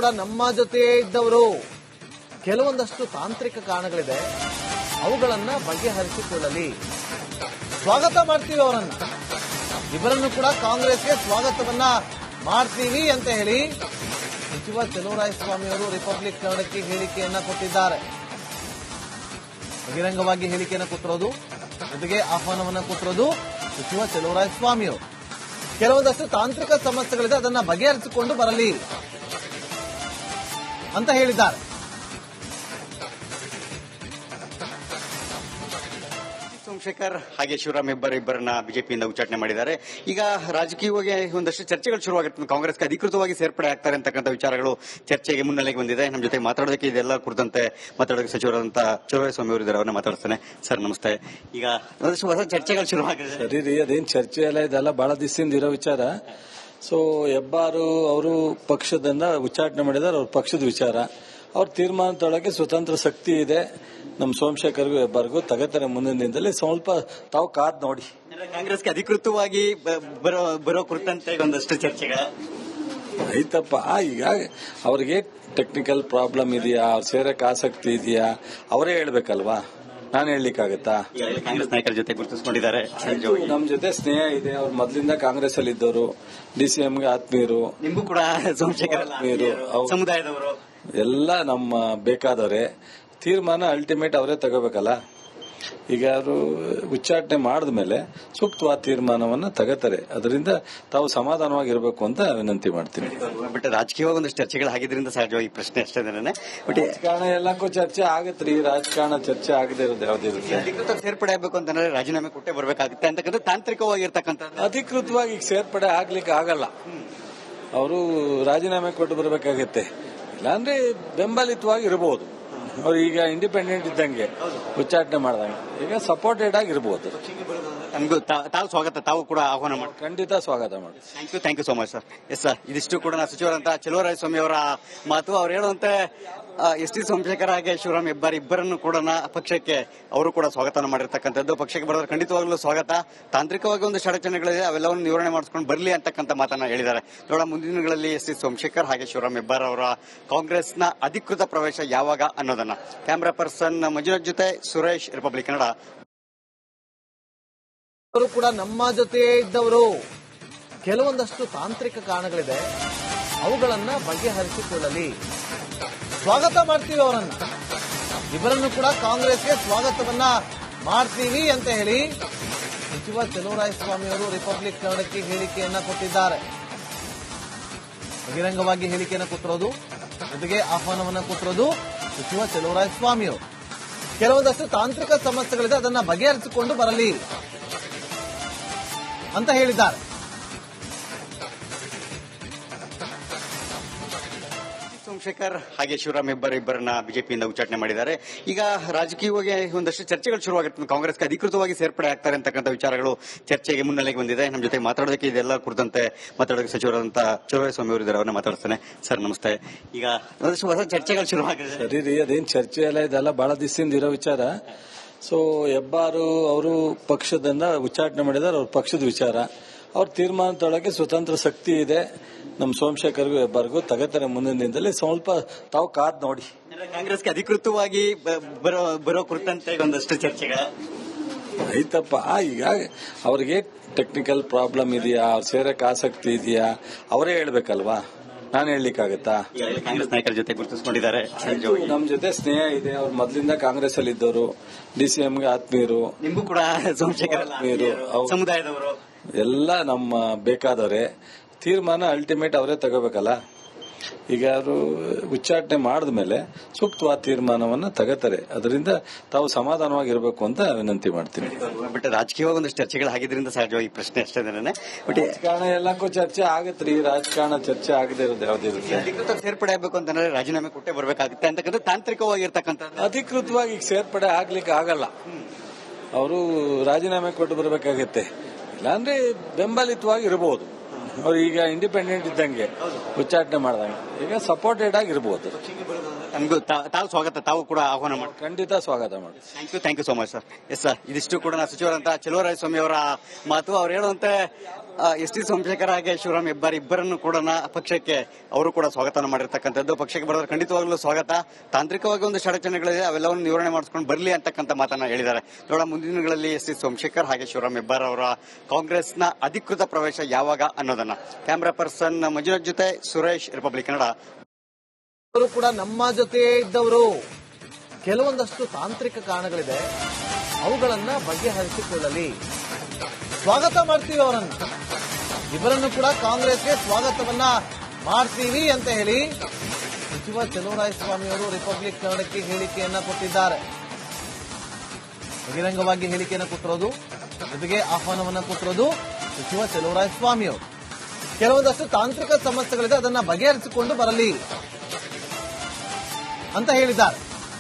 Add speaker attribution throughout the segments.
Speaker 1: ಕೂಡ ನಮ್ಮ ಜೊತೆಯೇ ಇದ್ದವರು. ಕೆಲವೊಂದಷ್ಟು ತಾಂತ್ರಿಕ ಕಾರಣಗಳಿದೆ, ಅವುಗಳನ್ನ ಬಗೆಹರಿಸಿಕೊಳ್ಳಲಿ. ಸ್ವಾಗತ ಮಾಡ್ತೀವಿ ಅವರನ್ನ, ಇಬ್ಬರನ್ನು ಕೂಡ ಕಾಂಗ್ರೆಸ್ಗೆ ಸ್ವಾಗತವನ್ನ ಮಾಡ್ತೀವಿ ಅಂತ ಹೇಳಿ ಸಚಿವ ಚಲುವರಾಯಸ್ವಾಮಿ ಅವರು ರಿಪಬ್ಲಿಕ್ ಕನ್ನಡಕ್ಕೆ ಹೇಳಿಕೆಯನ್ನ ಕೊಟ್ಟಿದ್ದಾರೆ. ಬಹಿರಂಗವಾಗಿ ಹೇಳಿಕೆಯನ್ನು ಕೊಟ್ಟಿರೋದು, ಜೊತೆಗೆ ಆಹ್ವಾನವನ್ನ ಕೊಟ್ಟಿರೋದು ಸಚಿವ ಚಲುವರಾಯಸ್ವಾಮಿ ಅವರು. ಕೆಲವೊಂದಷ್ಟು ತಾಂತ್ರಿಕ ಸಮಸ್ಯೆಗಳಿದೆ, ಅದನ್ನ ಬಗೆಹರಿಸಿಕೊಂಡು ಬರಲಿ ಅಂತ ಹೇಳಿದ್ದಾರೆ.
Speaker 2: ಸೋಮಶೇಖರ್ ಹಾಗೆ ಶಿವರಾಮ್ ಇಬ್ಬರನ್ನ ಬಿಜೆಪಿಯಿಂದ ಉಚ್ಚಾಟನೆ ಮಾಡಿದ್ದಾರೆ. ಈಗ ರಾಜಕೀಯವಾಗಿ ಒಂದಷ್ಟು ಚರ್ಚೆಗಳು ಶುರುವಾಗಿರ್ತದೆ. ಕಾಂಗ್ರೆಸ್ಗೆ ಅಧಿಕೃತವಾಗಿ ಸೇರ್ಪಡೆ ಆಗ್ತಾರೆ ಅಂತಕ್ಕಂಥ ವಿಚಾರಗಳು ಚರ್ಚೆಗೆ ಮುನ್ನೆಲೆಗೆ ಬಂದಿದೆ. ನಮ್ಮ ಜೊತೆ ಮಾತಾಡೋದಕ್ಕೆ ಇದೆಲ್ಲ ಕುರಿತಂತೆ ಮಾತಾಡೋದಕ್ಕೆ ಸಚಿವರಾದಂತಹ ಚಲುವರಾಯಸ್ವಾಮಿ ಅವರು ಇದ್ದಾರೆ, ಅವರನ್ನ ಮಾತಾಡ್ತಾನೆ. ಸರ್ ನಮಸ್ತೆ. ಈಗ ಒಂದಷ್ಟು ಹೊಸ ಚರ್ಚೆಗಳು ಶುರುವಾಗಿದೆ.
Speaker 3: ಸರಿ ರೀ, ಅದೇನ್ ಚರ್ಚೆ ಎಲ್ಲ ಇದೆಲ್ಲ ಬಹಳ ದಿವಸದಿಂದ ಇರೋ ವಿಚಾರ. ಸೊ ಹೆಬ್ಬಾರು ಅವರು ಪಕ್ಷದಿಂದ ಉಚ್ಚಾಟನೆ ಮಾಡಿದ್ದಾರೆ, ಅವ್ರ ಪಕ್ಷದ ವಿಚಾರ. ಅವ್ರ ತೀರ್ಮಾನದೊಳಗೆ ಸ್ವತಂತ್ರ ಶಕ್ತಿ ಇದೆ. ನಮ್ಮ ಸೋಮಶೇಖರ್ಗೂ ಹೆಬ್ಬಾರ್ಗೂ ತಗತಾರೆ ಮುಂದಿನ ದಿನದಲ್ಲಿ. ಸ್ವಲ್ಪ ತಾವು ಕಾದ್ ನೋಡಿ.
Speaker 2: ಕಾಂಗ್ರೆಸ್ಗೆ ಅಧಿಕೃತವಾಗಿ ಬರೋ ಕುರಿತಂತೆ ಒಂದಷ್ಟು ಚರ್ಚೆಗಳು
Speaker 3: ಆಯ್ತಪ್ಪ. ಈಗ ಅವ್ರಿಗೆ ಟೆಕ್ನಿಕಲ್ ಪ್ರಾಬ್ಲಮ್ ಇದೆಯಾ, ಅವ್ರು ಸೇರಕ್ಕೆ ಆಸಕ್ತಿ ಇದೆಯಾ, ಅವರೇ ಹೇಳ್ಬೇಕಲ್ವಾ, ನಾನು ಹೇಳಲಿಕ್ಕಾಗತ್ತಾ?
Speaker 2: ಕಾಂಗ್ರೆಸ್ ನಾಯಕರ ಜೊತೆ ಗುರುತಿಸಿಕೊಂಡಿದ್ದಾರೆ.
Speaker 3: ನಮ್ಮ ಜೊತೆ ಸ್ನೇಹ ಇದೆ. ಅವ್ರು ಮೊದಲಿಂದ ಕಾಂಗ್ರೆಸ್ ಅಲ್ಲಿ ಇದ್ದವರು, ಡಿಸಿಎಂಗೆ ಆತ್ಮೀಯರು.
Speaker 2: ನಿಮಗೂ ಕೂಡ ಸೋಮಶೇಖರ್
Speaker 3: ಆತ್ಮೀಯರು,
Speaker 2: ಸಮುದಾಯದವರು
Speaker 3: ಎಲ್ಲ ನಮ್ಮ ಬೇಕಾದವರೇ. ತೀರ್ಮಾನ ಅಲ್ಟಿಮೇಟ್ ಅವರೇ ತಗೋಬೇಕಲ್ಲ. ಈಗ ಅವರು ಉಚ್ಚಾಟನೆ ಮಾಡಿದ್ಮೇಲೆ ಸೂಕ್ತವಾದ ತೀರ್ಮಾನವನ್ನ ತಗೋತಾರೆ. ಅದರಿಂದ ತಾವು ಸಮಾಧಾನವಾಗಿರ್ಬೇಕು ಅಂತ ವಿನಂತಿ ಮಾಡ್ತೀನಿ.
Speaker 2: ಬಟ್ ರಾಜಕೀಯವಾಗಿ ಒಂದಷ್ಟು ಚರ್ಚೆಗಳು ಆಗಿದ್ರಿಂದ ಸಹಜವಾಗಿ ಪ್ರಶ್ನೆ ಅಷ್ಟೇ. ಬಟ್
Speaker 3: ರಾಜಕಾರಣ ಎಲ್ಲಕ್ಕೂ ಚರ್ಚೆ ಆಗತ್ರಿ. ರಾಜಕಾರಣ ಚರ್ಚೆ ಆಗದೆ ಇರೋದು ಯಾವ್ದಿರುತ್ತೆ?
Speaker 2: ಅಧಿಕೃತ ಸೇರ್ಪಡೆ ಆಗಬೇಕು ಅಂತಂದ್ರೆ ರಾಜೀನಾಮೆ ಕೊಟ್ಟೆ ಬರಬೇಕಾಗುತ್ತೆ ಅಂತಕ್ಕಂಥ ತಾಂತ್ರಿಕವಾಗಿರ್ತಕ್ಕಂಥ.
Speaker 3: ಅಧಿಕೃತವಾಗಿ ಈಗ ಸೇರ್ಪಡೆ ಆಗ್ಲಿಕ್ಕೆ ಆಗಲ್ಲ. ಅವರು ರಾಜೀನಾಮೆ ಕೊಟ್ಟು ಬರಬೇಕಾಗತ್ತೆ. ಇಲ್ಲಾಂದ್ರೆ ಬೆಂಬಲಿತವಾಗಿ ಇರಬಹುದು. ಅವ್ರು ಈಗ ಇಂಡಿಪೆಂಡೆಂಟ್ ಇದ್ದಂಗೆ ಉಚ್ಚಾಟನೆ ಮಾಡಿದಂಗೆ ಈಗ ಸಪೋರ್ಟೆಡ್ ಆಗಿರ್ಬೋದು.
Speaker 2: ನಮಗೂ ತಾವು ಸ್ವಾಗತ, ತಾವು ಕೂಡ ಆಹ್ವಾನ ಮಾಡಿ.
Speaker 3: ಖಂಡಿತ ಸ್ವಾಗತ ಮಾಡಿ.
Speaker 2: Thank you so much sir. Yes sir, ಇದಿಷ್ಟು ಕೂಡ ಸಚಿವರಂತ ಚಲುವರಾಯಸ್ವಾಮಿ ಅವರ ಮಾತು. ಅವ್ರು ಹೇಳುವಂತೆ ಎಸ್ ಟಿ ಸೋಮಶೇಖರ್ ಹಾಗೆ ಶಿವರಾಮ್ ಇಬ್ಬರನ್ನು ಕೂಡ ಪಕ್ಷಕ್ಕೆ ಅವರು ಕೂಡ ಸ್ವಾಗತ ಮಾಡಿರ್ತಕ್ಕಂಥದ್ದು. ಪಕ್ಷಕ್ಕೆ ಬರೋದ್ರೆ ಖಂಡಿತವಾಗ್ಲೂ ಸ್ವಾಗತ. ತಾಂತ್ರಿಕವಾಗಿ ಒಂದು ಅಡಚಣೆಗಳಿದೆ, ಅವೆಲ್ಲವನ್ನು ನಿವಾರಣೆ ಮಾಡಿಸ್ಕೊಂಡು ಬರಲಿ ಅಂತಕ್ಕಂಥ ಮಾತನ್ನ ಹೇಳಿದ್ದಾರೆ. ನೋಡೋಣ ಮುಂದಿನ ದಿನಗಳಲ್ಲಿ ಎಸ್ ಟಿ ಸೋಮಶೇಖರ್ ಹಾಗೆ ಶಿವರಾಮ್ ಅವರ ಕಾಂಗ್ರೆಸ್ನ ಅಧಿಕೃತ ಪ್ರವೇಶ ಯಾವಾಗ ಅನ್ನೋದನ್ನ. ಕ್ಯಾಮರಾ ಪರ್ಸನ್ ಮಂಜುನಾಥ್ ಜೊತೆ ಸುರೇಶ್, ರಿಪಬ್ಲಿಕ್ ಕನ್ನಡ.
Speaker 1: ಅವರು ಕೂಡ ನಮ್ಮ ಜೊತೆಯೇ ಇದ್ದವರು. ಕೆಲವೊಂದಷ್ಟು ತಾಂತ್ರಿಕ ಕಾರಣಗಳಿದೆ, ಅವುಗಳನ್ನ ಬಗೆಹರಿಸಿಕೊಳ್ಳಲಿ. ಸ್ವಾಗತ ಮಾಡ್ತೀವಿ ಅವರನ್ನ, ಇಬ್ಬರನ್ನು ಕೂಡ ಕಾಂಗ್ರೆಸ್ಗೆ ಸ್ವಾಗತವನ್ನ ಮಾಡ್ತೀವಿ ಅಂತ ಹೇಳಿ ಸಚಿವ ಚಲುವರಾಯಸ್ವಾಮಿ ಅವರು ರಿಪಬ್ಲಿಕ್ ಕನ್ನಡಕ್ಕೆ ಹೇಳಿಕೆಯನ್ನ ಕೊಟ್ಟಿದ್ದಾರೆ. ಬಹಿರಂಗವಾಗಿ ಹೇಳಿಕೆಯನ್ನು ಕೊಟ್ಟಿರೋದು, ಜೊತೆಗೆ ಆಹ್ವಾನವನ್ನ ಕೊಟ್ಟಿರೋದು ಸಚಿವ ಚಲುವರಾಯಸ್ವಾಮಿ ಅವರು. ಕೆಲವೊಂದಷ್ಟು ತಾಂತ್ರಿಕ ಸಮಸ್ಯೆಗಳಿದೆ, ಅದನ್ನ ಬಗೆಹರಿಸಿಕೊಂಡು ಬರಲಿ ಅಂತ ಹೇಳಿದ್ದಾರೆ.
Speaker 2: ಸೋಮಶೇಖರ್ ಹಾಗೆ ಶಿವರಾಮ್ ಇಬ್ಬರನ್ನ ಬಿಜೆಪಿಯಿಂದ ಉಚ್ಚಾಟನೆ ಮಾಡಿದ್ದಾರೆ. ಈಗ ರಾಜಕೀಯವಾಗಿ ಒಂದಷ್ಟು ಚರ್ಚೆಗಳು ಶುರುವಾಗಿರ್ತದೆ. ಕಾಂಗ್ರೆಸ್ಗೆ ಅಧಿಕೃತವಾಗಿ ಸೇರ್ಪಡೆ ಆಗ್ತಾರೆ ಅಂತಕ್ಕಂಥ ವಿಚಾರಗಳು ಚರ್ಚೆಗೆ ಮುನ್ನೆಲೆಗೆ ಬಂದಿದೆ. ನಮ್ಮ ಜೊತೆ ಮಾತಾಡೋದಕ್ಕೆ ಇದೆಲ್ಲ ಕುರಿತಂತೆ ಮಾತಾಡೋದಕ್ಕೆ ಸಚಿವರಾದಂತಹ ಚಲುವರಾಯಸ್ವಾಮಿ ಅವರು ಇದ್ದಾರೆ, ಅವರನ್ನ ಮಾತಾಡ್ತಾನೆ. ಸರ್ ನಮಸ್ತೆ. ಈಗ ಒಂದಷ್ಟು ಹೊಸ ಚರ್ಚೆಗಳು ಶುರುವಾಗಿದೆ.
Speaker 3: ಸರಿ ರೀ, ಅದೇನ್ ಚರ್ಚೆ ಎಲ್ಲ ಇದೆಲ್ಲ ಬಹಳ ದಿವಸದಿಂದ ಇರೋ ವಿಚಾರ. ಸೊ ಹೆಬ್ಬಾರು ಅವರು ಪಕ್ಷದಿಂದ ಉಚ್ಚಾಟನೆ ಮಾಡಿದ್ದಾರೆ, ಅವ್ರ ಪಕ್ಷದ ವಿಚಾರ. ಅವ್ರ ತೀರ್ಮಾನದೊಳಗೆ ಸ್ವತಂತ್ರ ಶಕ್ತಿ ಇದೆ. ನಮ್ಮ ಸೋಮಶೇಖರ್ಗೂ ಹೆಬ್ಬಾರ್ಗೂ ತಗತಾರೆ ಮುಂದಿನ ದಿನದಲ್ಲಿ. ಸ್ವಲ್ಪ ತಾವು ಕಾದ್ ನೋಡಿ.
Speaker 2: ಕಾಂಗ್ರೆಸ್ಗೆ ಅಧಿಕೃತವಾಗಿ ಬರೋ ಕುರಿತಂತೆ ಒಂದಷ್ಟು ಚರ್ಚೆಗಳು
Speaker 3: ಆಯ್ತಪ್ಪ. ಈಗ ಅವ್ರಿಗೆ ಟೆಕ್ನಿಕಲ್ ಪ್ರಾಬ್ಲಮ್ ಇದೆಯಾ, ಅವ್ರು ಸೇರಕ್ಕೆ ಆಸಕ್ತಿ ಇದೆಯಾ, ಅವರೇ ಹೇಳ್ಬೇಕಲ್ವಾ, ನಾನು ಹೇಳಲಿಕ್ಕಾಗತ್ತಾ?
Speaker 2: ಕಾಂಗ್ರೆಸ್ ನಾಯಕರ ಜೊತೆ ಗುರುತಿಸಿಕೊಂಡಿದ್ದಾರೆ.
Speaker 3: ನಮ್ಮ ಜೊತೆ ಸ್ನೇಹ ಇದೆ. ಅವ್ರು ಮೊದಲಿಂದ ಕಾಂಗ್ರೆಸ್ ಅಲ್ಲಿ ಇದ್ದವರು, ಡಿಸಿಎಂಗೆ ಆತ್ಮೀಯರು.
Speaker 2: ನಿಮಗೂ ಕೂಡ ಸೋಮಶೇಖರ್
Speaker 3: ಆತ್ಮೀಯರು,
Speaker 2: ಸಮುದಾಯದವರು
Speaker 3: ಎಲ್ಲ ನಮ್ಮ ಬೇಕಾದವರೇ. ತೀರ್ಮಾನ ಅಲ್ಟಿಮೇಟ್ ಅವರೇ ತಗೋಬೇಕಲ್ಲ. ಈಗ ಅವರು ಉಚ್ಚಾಟನೆ ಮಾಡಿದ್ಮೇಲೆ ಸೂಕ್ತವಾದ ತೀರ್ಮಾನವನ್ನ ತಗೋತಾರೆ. ಅದರಿಂದ ತಾವು ಸಮಾಧಾನವಾಗಿರ್ಬೇಕು ಅಂತ ವಿನಂತಿ ಮಾಡ್ತೀನಿ.
Speaker 2: ಬಟ್ ರಾಜಕೀಯವಾಗಿ ಒಂದಷ್ಟು ಚರ್ಚೆಗಳು ಆಗಿದ್ರಿಂದ ಸಹಜವಾಗಿ ಪ್ರಶ್ನೆ ಅಷ್ಟೇ. ಬಟ್
Speaker 3: ರಾಜಕಾರಣ ಎಲ್ಲಕ್ಕೂ ಚರ್ಚೆ ಆಗತ್ರಿ. ರಾಜಕಾರಣ ಚರ್ಚೆ ಆಗದೆ ಇರೋದು ಯಾವ್ದಿರುತ್ತೆ?
Speaker 2: ಅಧಿಕೃತ ಸೇರ್ಪಡೆ ಆಗಬೇಕು ಅಂತಂದ್ರೆ ರಾಜೀನಾಮೆ ಕೊಟ್ಟೆ ಬರಬೇಕಾಗುತ್ತೆ ಅಂತಕ್ಕಂಥ ತಾಂತ್ರಿಕವಾಗಿರ್ತಕ್ಕಂಥ.
Speaker 3: ಅಧಿಕೃತವಾಗಿ ಈಗ ಸೇರ್ಪಡೆ ಆಗ್ಲಿಕ್ಕೆ ಆಗಲ್ಲ. ಅವರು ರಾಜೀನಾಮೆ ಕೊಟ್ಟು ಬರಬೇಕಾಗತ್ತೆ. ಇಲ್ಲಾಂದ್ರೆ ಬೆಂಬಲಿತವಾಗಿ ಇರಬಹುದು. ಅವ್ರು ಈಗ ಇಂಡಿಪೆಂಡೆಂಟ್ ಇದ್ದಂಗೆ ಉಚ್ಚಾಟನೆ ಮಾಡಿದಂಗೆ ಈಗ ಸಪೋರ್ಟೆಡ್ ಆಗಿರ್ಬೋದು.
Speaker 2: ನಮಗೂ ತಾವು ಸ್ವಾಗತ, ತಾವು ಕೂಡ ಆಹ್ವಾನ ಮಾಡಿ.
Speaker 3: ಖಂಡಿತ ಸ್ವಾಗತ ಮಾಡಿ.
Speaker 2: Thank you so much sir. Yes sir, ಇದಿಷ್ಟು ಕೂಡ ಸಚಿವರಂತ ಚಲುವರಾಯಸ್ವಾಮಿ ಅವರ ಮಾತು. ಅವ್ರು ಹೇಳುವಂತೆ ಎಸ್ ಟಿ ಸೋಮಶೇಖರ್ ಹಾಗೆ ಶಿವರಾಮ್ ಹೆಬ್ಬಾರ್ ಇಬ್ಬರನ್ನು ಕೂಡ ಪಕ್ಷಕ್ಕೆ ಅವರು ಕೂಡ ಸ್ವಾಗತ ಮಾಡಿರ್ತಕ್ಕಂಥದ್ದು. ಪಕ್ಷಕ್ಕೆ ಬರೋದ್ರೆ ಖಂಡಿತವಾಗ್ಲೂ ಸ್ವಾಗತ. ತಾಂತ್ರಿಕವಾಗಿ ಒಂದು ಅಡಚಣೆಗಳಿದೆ, ಅವೆಲ್ಲವನ್ನು ನಿವಾರಣೆ ಮಾಡಿಸ್ಕೊಂಡು ಬರಲಿ ಅಂತಕ್ಕಂಥ ಮಾತನ್ನ ಹೇಳಿದ್ದಾರೆ. ನೋಡೋಣ ಮುಂದಿನ ದಿನಗಳಲ್ಲಿ ಎಸ್ ಟಿ ಸೋಮಶೇಖರ್ ಹಾಗೆ ಶಿವರಾಮ್ ಹೆಬ್ಬಾರ್ ಅವರ ಕಾಂಗ್ರೆಸ್ನ ಅಧಿಕೃತ ಪ್ರವೇಶ ಯಾವಾಗ ಅನ್ನೋದನ್ನ. ಕ್ಯಾಮರಾ ಪರ್ಸನ್ ಮಂಜುನಾಥ್ ಜೊತೆ ಸುರೇಶ್, ರಿಪಬ್ಲಿಕ್ ಕನ್ನಡ.
Speaker 1: ಅವರು ಕೂಡ ನಮ್ಮ ಜೊತೆ ಇದ್ದವರು. ಕೆಲವೊಂದಷ್ಟು ತಾಂತ್ರಿಕ ಕಾರಣಗಳಿದೆ, ಅವುಗಳನ್ನ ಬಗೆಹರಿಸಿಕೊಳ್ಳಲಿ. ಸ್ವಾಗತ ಮಾಡ್ತೀವಿ ಅವರನ್ನು, ಇಬ್ಬರನ್ನು ಕೂಡ ಕಾಂಗ್ರೆಸ್ಗೆ ಸ್ವಾಗತವನ್ನ ಮಾಡ್ತೀವಿ ಅಂತ ಹೇಳಿ ಸಚಿವ ಚಲುವರಾಯಸ್ವಾಮಿ ಅವರು ರಿಪಬ್ಲಿಕ್ ಕನ್ನಡಕ್ಕೆ ಹೇಳಿಕೆಯನ್ನ ಕೊಟ್ಟಿದ್ದಾರೆ. ಬಹಿರಂಗವಾಗಿ ಹೇಳಿಕೆಯನ್ನು ಕೊಟ್ಟಿರೋದು, ಜೊತೆಗೆ ಆಹ್ವಾನವನ್ನ ಕೊಟ್ಟಿರೋದು ಸಚಿವ ಚಲುವರಾಯಸ್ವಾಮಿ ಅವರು. ಕೆಲವೊಂದಷ್ಟು ತಾಂತ್ರಿಕ ಸಮಸ್ಯೆಗಳಿದೆ, ಅದನ್ನ ಬಗೆಹರಿಸಿಕೊಂಡು ಬರಲಿ ಅಂತ ಹೇಳಿದ್ದಾರೆ.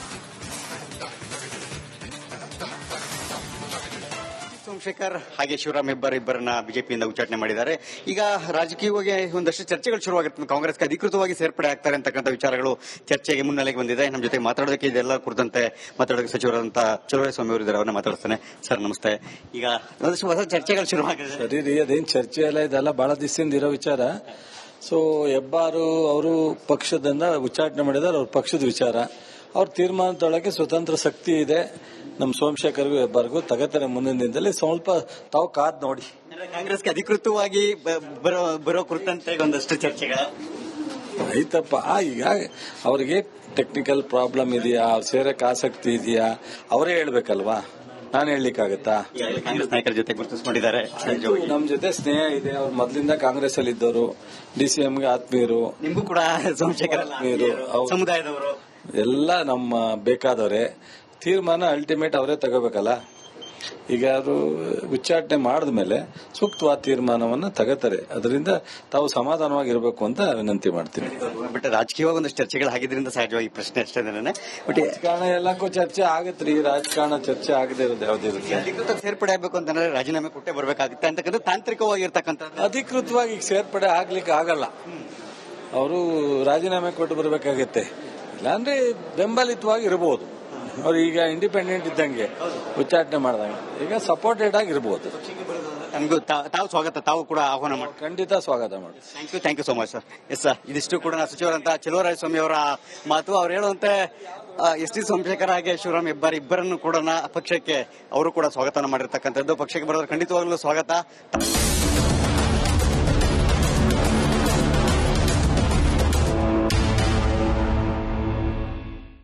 Speaker 2: ಸೋಮಶೇಖರ್ ಹಾಗೆ ಶಿವರಾಮ್ ಹೆಬ್ಬಾರ್ ಇಬ್ಬರನ್ನ ಬಿಜೆಪಿಯಿಂದ ಉಚ್ಚಾಟನೆ ಮಾಡಿದ್ದಾರೆ. ಈಗ ರಾಜಕೀಯವಾಗಿ ಒಂದಷ್ಟು ಚರ್ಚೆಗಳು ಶುರುವಾಗಿರ್ತದೆ. ಕಾಂಗ್ರೆಸ್ಗೆ ಅಧಿಕೃತವಾಗಿ ಸೇರ್ಪಡೆ ಆಗ್ತಾರೆ ಅಂತಕ್ಕಂಥ ವಿಚಾರಗಳು ಚರ್ಚೆಗೆ ಮುನ್ನೆಲೆಗೆ ಬಂದಿದೆ. ನಮ್ಮ ಜೊತೆ ಮಾತಾಡೋದಕ್ಕೆ ಇದೆಲ್ಲ ಕುರಿತಂತೆ ಮಾತಾಡೋದಕ್ಕೆ ಸಚಿವರಾದಂತ ಚಲುವರಾಯಸ್ವಾಮಿ ಅವರು ಇದ್ದಾರೆ, ಅವನ್ನ ಮಾತಾಡ್ತಾನೆ. ಸರ್ ನಮಸ್ತೆ. ಈಗ ಒಂದಷ್ಟು ಹೊಸ ಚರ್ಚೆಗಳು ಶುರುವಾಗಿದೆ.
Speaker 3: ಸರಿ ರೀ, ಅದೇನ್ ಚರ್ಚೆ ಎಲ್ಲ ಇದೆಲ್ಲ ಬಹಳ ದಿವಸದಿಂದ ಇರೋ ವಿಚಾರ. ಸೊ ಹೆಬ್ಬಾರು ಅವರು ಪಕ್ಷದಿಂದ ಉಚ್ಚಾಟನೆ ಮಾಡಿದ್ದಾರೆ, ಅವ್ರ ಪಕ್ಷದ ವಿಚಾರ. ಅವ್ರ ತೀರ್ಮಾನದೊಳಗೆ ಸ್ವತಂತ್ರ ಶಕ್ತಿ ಇದೆ. ನಮ್ಮ ಸೋಮಶೇಖರ್ಗೂ ಹೆಬ್ಬಾರ್ಗೂ ತಗತಾರೆ ಮುಂದಿನ ದಿನದಲ್ಲಿ. ಸ್ವಲ್ಪ ತಾವು ಕಾದ್ ನೋಡಿ.
Speaker 2: ಕಾಂಗ್ರೆಸ್ಗೆ ಅಧಿಕೃತವಾಗಿ ಬರೋ ಕುರಿತಂತೆ ಒಂದಷ್ಟು ಚರ್ಚೆಗಳು
Speaker 3: ಆಯ್ತಪ್ಪ. ಈಗ ಅವ್ರಿಗೆ ಟೆಕ್ನಿಕಲ್ ಪ್ರಾಬ್ಲಮ್ ಇದೆಯಾ, ಸೇರಕ್ಕೆ ಆಸಕ್ತಿ ಇದೆಯಾ, ಅವರೇ ಹೇಳ್ಬೇಕಲ್ವಾ, ನಾನು ಹೇಳಲಿಕ್ಕಾಗತ್ತಾ?
Speaker 2: ಕಾಂಗ್ರೆಸ್ ನಾಯಕರ ಜೊತೆ ಗುರುತಿಸಿಕೊಂಡಿದ್ದಾರೆ.
Speaker 3: ನಮ್ ಜೊತೆ ಸ್ನೇಹ ಇದೆ. ಅವ್ರು ಮೊದಲಿಂದ ಕಾಂಗ್ರೆಸ್ ಅಲ್ಲಿ ಇದ್ದವರು, ಡಿಸಿಎಂಗೆ ಆತ್ಮೀಯರು.
Speaker 2: ನಿಮಗೂ ಕೂಡ ಸೋಮಶೇಖರ್ ಸಮುದಾಯದವರು
Speaker 3: ಎಲ್ಲ ನಮ್ಮ ಬೇಕಾದವರೇ. ತೀರ್ಮಾನ ಅಲ್ಟಿಮೇಟ್ ಅವರೇ ತಗೋಬೇಕಲ್ಲ. ಈಗ ಅವರು ಉಚ್ಚಾಟನೆ ಮಾಡಿದ್ಮೇಲೆ ಸೂಕ್ತವಾದ ತೀರ್ಮಾನವನ್ನ ತಗೋತಾರೆ. ಅದರಿಂದ ತಾವು ಸಮಾಧಾನವಾಗಿರ್ಬೇಕು ಅಂತ ವಿನಂತಿ ಮಾಡ್ತೀನಿ.
Speaker 2: ಬಟ್ ರಾಜಕೀಯವಾಗಿ ಒಂದಷ್ಟು ಚರ್ಚೆಗಳು ಆಗಿದ್ರಿಂದ ಸಹಜವಾಗಿ ಪ್ರಶ್ನೆ ಅಷ್ಟೇ. ಬಟ್
Speaker 3: ರಾಜಕಾರಣ ಎಲ್ಲಕ್ಕೂ ಚರ್ಚೆ ಆಗತ್ರಿ. ರಾಜಕಾರಣ ಚರ್ಚೆ ಆಗದೆ ಇರೋದು ಯಾವುದಿರುತ್ತೆ.
Speaker 2: ಅಧಿಕೃತ ಸೇರ್ಪಡೆ ಆಗಬೇಕು ಅಂತಂದ್ರೆ ರಾಜೀನಾಮೆ ಕೊಟ್ಟೆ ಬರಬೇಕಾಗುತ್ತೆ ಅಂತಕ್ಕಂಥ ತಾಂತ್ರಿಕವಾಗಿರ್ತಕ್ಕಂಥ.
Speaker 3: ಅಧಿಕೃತವಾಗಿ ಈಗ ಸೇರ್ಪಡೆ ಆಗ್ಲಿಕ್ಕೆ ಆಗಲ್ಲ. ಅವರು ರಾಜೀನಾಮೆ ಕೊಟ್ಟು ಬರಬೇಕಾಗತ್ತೆ. ಇಲ್ಲಾಂದ್ರೆ ಬೆಂಬಲಿತವಾಗಿ ಇರಬಹುದು. ಅವ್ರು ಈಗ ಇಂಡಿಪೆಂಡೆಂಟ್ ಇದ್ದಂಗೆ ಉಚ್ಚಾಟನೆ ಮಾಡಿದಂಗೆ ಈಗ ಸಪೋರ್ಟೆಡ್ ಆಗಿರ್ಬೋದು.
Speaker 2: ನಮಗೂ ತಾವು ಸ್ವಾಗತ, ತಾವು ಕೂಡ ಆಹ್ವಾನ ಮಾಡಿ.
Speaker 3: ಖಂಡಿತ ಸ್ವಾಗತ ಮಾಡಿ.
Speaker 2: Thank you so much sir. Yes sir, ಇದಿಷ್ಟು ಕೂಡ ಸಚಿವರಂತ ಚಲುವರಾಯಸ್ವಾಮಿ ಅವರ ಮಾತು. ಅವ್ರು ಹೇಳುವಂತೆ ಎಸ್ ಟಿ ಸೋಮಶೇಖರ್ ಹಾಗೆ ಶಿವರಾಮ್ ಹೆಬ್ಬಾರ್ ಇಬ್ಬರನ್ನು ಕೂಡ ಪಕ್ಷಕ್ಕೆ ಅವರು ಕೂಡ ಸ್ವಾಗತ ಮಾಡಿರ್ತಕ್ಕಂಥದ್ದು. ಪಕ್ಷಕ್ಕೆ ಬರೋದ್ರೆ ಖಂಡಿತವಾಗ್ಲೂ ಸ್ವಾಗತ.